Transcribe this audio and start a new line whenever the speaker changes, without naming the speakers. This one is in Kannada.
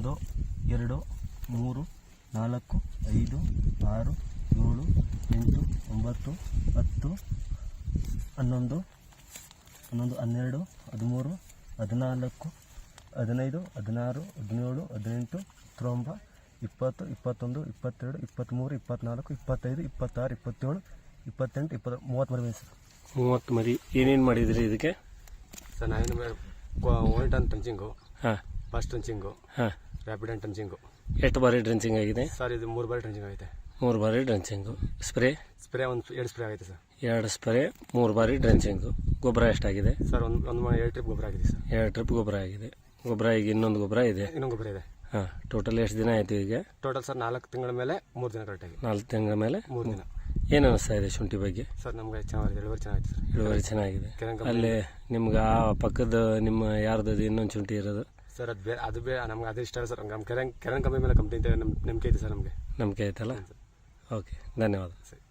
1 2 3 4 5 6 7 8 9 10 11 12 13 14 15 16 17 18 19 20 21 22 23 24 25 26 27 28 30 ಮರಿ ಸರ್.
30 ಮರಿ. ಏನೇನು ಮಾಡಿದ್ರಿ ಇದಕ್ಕೆ
ಸರ್? ನಾನು 1 ಟನ್ ಟಂಚಿಂಗು,
ಹಾಂ,
ಫಸ್ಟ್ ಟಂಚಿಂಗು,
ಹಾಂ.
ರ್ಯಾಪಿಡ್ ಆ್ಯಂಡ್ ಟಂಚಿಂಗು.
ಎಷ್ಟು ಬಾರಿ ಡ್ರೆಂಚಿಂಗ್ ಆಗಿದೆ
ಸರ್? ಇದು 3 ಬಾರಿ ಟಂಚಿಂಗ್ ಆಗೈತೆ.
3 ಬಾರಿ ಡ್ರೆಂಚಿಂಗು. ಸ್ಪ್ರೇ
2 ಸ್ಪ್ರೇ ಆಗೈತೆ ಸರ್.
2 ಸ್ಪ್ರೇ, 3 ಬಾರಿ ಡ್ರೆಂಚಿಂಗು. ಗೊಬ್ಬರ ಎಷ್ಟಾಗಿದೆ
ಸರ್? ಒಂದು 2 ಟ್ರಿಪ್ ಗೊಬ್ಬರ ಆಗಿದೆ ಸರ್.
2 ಟ್ರಿಪ್ ಗೊಬ್ಬರ ಆಗಿದೆ. ಗೊಬ್ಬರ ಈಗ ಇನ್ನೊಂದು ಗೊಬ್ಬರ ಇದೆ.
ಇನ್ನೊಂದು ಗೊಬ್ಬರ ಇದೆ.
ಹಾಂ. ಟೋಟಲ್ ಎಷ್ಟು ದಿನ ಆಯಿತು ಈಗ?
ಟೋಟಲ್ ಸರ್ 4 ತಿಂಗಳ ಮೇಲೆ 3 ದಿನ ಕರೆಕ್ಟಾಗಿ.
4 ತಿಂಗಳ ಮೇಲೆ
3 ದಿನ.
ಏನು ಅನಿಸ್ತಾ ಇದೆ ಶುಂಠಿ ಬಗ್ಗೆ?
ಸರ್ ನಮಗೆ ಚೆನ್ನಾಗಿದೆ, ಇಳುವರಿ ಚೆನ್ನಾಗಿದೆ ಸರ್.
ಇಳುವರಿ ಚೆನ್ನಾಗಿದೆ. ಅಲ್ಲಿ ನಿಮ್ಗೆ ಆ ಪಕ್ಕದ ನಿಮ್ಮ ಯಾರ್ದು ಇನ್ನೊಂದು ಶುಂಠಿ ಇರೋದು
ಸರ್? ಅದು ನಮ್ಗೆ ಅದು ಇಷ್ಟ ಸರ್. ನಮ್ಮ ಕೆರೆನ್ ಕಂಪನಿ ಮೇಲೆ ಕಂಪ್ನಿ ನಂಬಿಕೆ ಐತೆ ಸರ್ ನಮಗೆ.
ನಂಬಿಕೆ ಆಯ್ತಲ್ಲ? ಓಕೆ, ಧನ್ಯವಾದ.
ಸರಿ.